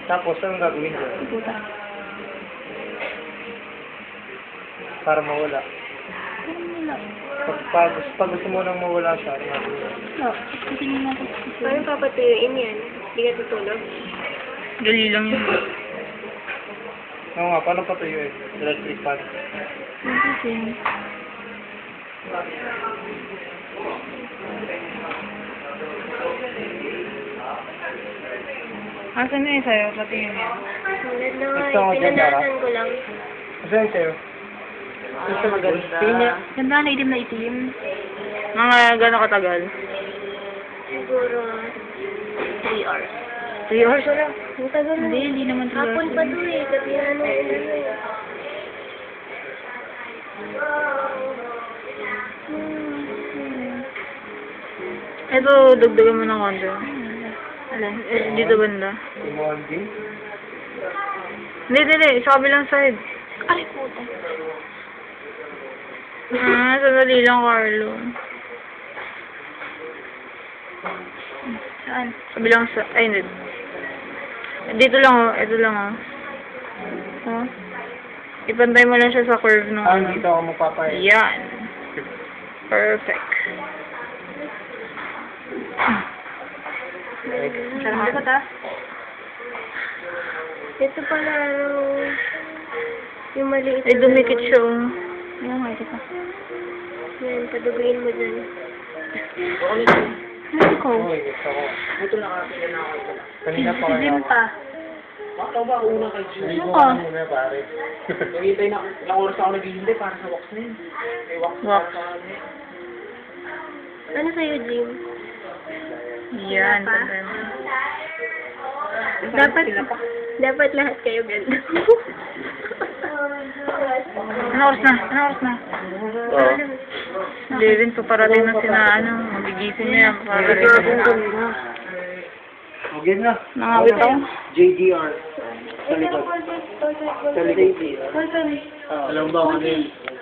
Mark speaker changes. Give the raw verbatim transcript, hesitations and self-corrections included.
Speaker 1: Tapos, anong gagawin ko?
Speaker 2: Puta.
Speaker 1: Para mawala.
Speaker 2: Parang wala.
Speaker 1: Pag, pag, pag gusto mo nang mawala siya, ano gagawin mo?
Speaker 2: Wala. Kasi hindi natin.
Speaker 3: Paano papatuyuin yan? Hindi ka tutulog?
Speaker 2: Dali lang yun.
Speaker 1: Oo nga, paano patuyuin? Electric fan.
Speaker 2: Kasi. Asan na yun sa'yo? Pati yun yan.
Speaker 3: Sulit na nga
Speaker 1: Gusto mo
Speaker 3: eh.
Speaker 1: dyan, Dara?
Speaker 3: Pinanasan ko lang.
Speaker 1: Kasi yun sa'yo?
Speaker 2: Gusto maganda.
Speaker 1: Pinya.
Speaker 2: Ganda na itim na itim. Mga gano'ng katagal?
Speaker 3: Siguro three hours.
Speaker 2: Three hours wala.
Speaker 3: Ang tagal na.
Speaker 2: Hindi, hindi naman three
Speaker 3: Hapon
Speaker 2: hours.
Speaker 3: pa to eh. Gabi na ano eh.
Speaker 2: Ito, dagdagan mo ng konti. Alin? Eh, dito banda.
Speaker 1: Imonding?
Speaker 2: Hindi, hindi, hindi. Sa kabilang side.
Speaker 3: Ay, puta.
Speaker 2: Ah, sandali lang, Carlo. Saan? Kabilang sa... Ay, hindi. Dito lang, oh. Ito lang, oh. Oh. Ipantay mo lang siya sa curve nung...
Speaker 1: Ah, dito ako magpapay.
Speaker 2: Yan. Perfect. Sarang likot, ha?
Speaker 3: Ito pala, ano, yung maliit
Speaker 2: Ay,
Speaker 3: na
Speaker 2: dumikit
Speaker 3: ganun.
Speaker 2: siya, oh. Ayan, nga, ito pa.
Speaker 3: Yan, paduguin mo dyan.
Speaker 2: Ay, ikaw.
Speaker 1: Uy, gusto ko.
Speaker 4: Buto na kapila na ako ito.
Speaker 1: Kanina pa
Speaker 2: Si
Speaker 1: kaya
Speaker 2: Jim
Speaker 1: ako.
Speaker 2: pa.
Speaker 4: Baka ba una kay Jim?
Speaker 1: Naligo
Speaker 2: Ano
Speaker 1: ka
Speaker 2: ka?
Speaker 1: na muna, pare.
Speaker 4: Naghihintay na, ilang oras ako naghihintay para sa wax na yun. May wax,
Speaker 2: Wax.
Speaker 4: para sa ano eh.
Speaker 3: Ano sa'yo, Jim?
Speaker 2: Yan,
Speaker 3: Pa?
Speaker 2: pantay mo.
Speaker 3: Dapat, dapat lahat kayo ganda.
Speaker 2: Ano oras na? Ano oras na?
Speaker 1: Oo.
Speaker 2: eleven pa parating na sina, ano, magigising na yan. Para rin.
Speaker 1: Okay na.
Speaker 2: Nangawit ako.
Speaker 1: J D R. Sa likod. Sa likod.
Speaker 3: Hold on.
Speaker 1: Alam ba kung ano yun?